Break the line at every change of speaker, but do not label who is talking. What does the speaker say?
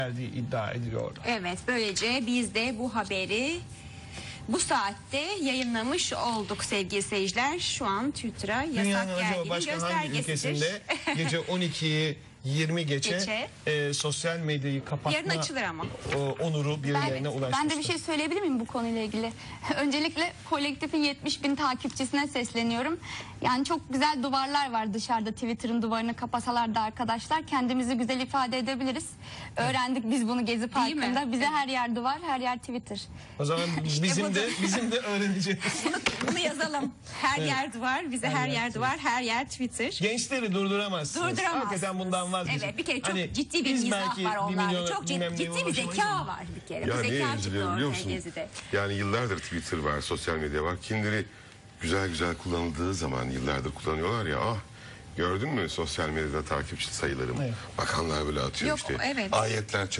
verdiği iddia ediliyor.
Evet, böylece biz de bu haberi bu saatte yayınlamış olduk sevgili seyirciler. Şu an Twitter'a yasak
Dünyanın acaba
geldiğinin
başka hangi
göstergesidir.
ülkesinde gece 12'yi 20 geçe sosyal medyayı kapatma
Yarın açılır ama.
onuru birilerine ulaşmıştır.
Ben de bir şey söyleyebilir miyim bu konuyla ilgili? Öncelikle kolektifin 70.000 takipçisine sesleniyorum. Yani çok güzel duvarlar var dışarıda, Twitter'ın duvarını kapasalar da arkadaşlar kendimizi güzel ifade edebiliriz. Öğrendik biz bunu Gezi Parkı'nda. Bize her yer duvar, her yer Twitter.
O zaman bizim de öğreneceğiz.
Bunu yazalım. Her yer duvar, bize her yer duvar, her yer Twitter.
Gençleri durduramazsınız.
Durduramazsınız.
Hakikaten bundan vazgeçin.
Evet, bir kere çok
Hani
ciddi bir
biz
mizah
belki
var
bir
onlarda.
milyona
Çok
bilmem
ciddi
neye
bir zeka
ulaşamayız.
var bir kere.
Ya
Bu
neye
zeka çıktı
üzülüyorum biliyor
ortaya
musun?
Gezi'de.
Yani yıllardır Twitter var, sosyal medya var. Kimileri güzel güzel kullanıldığı zaman yıllardır kullanıyorlar ya. Ah, gördün mü sosyal medyada takipçi sayılarım?
Evet.
Bakanlar böyle atıyor
Yok,
işte.
evet.
Ayetler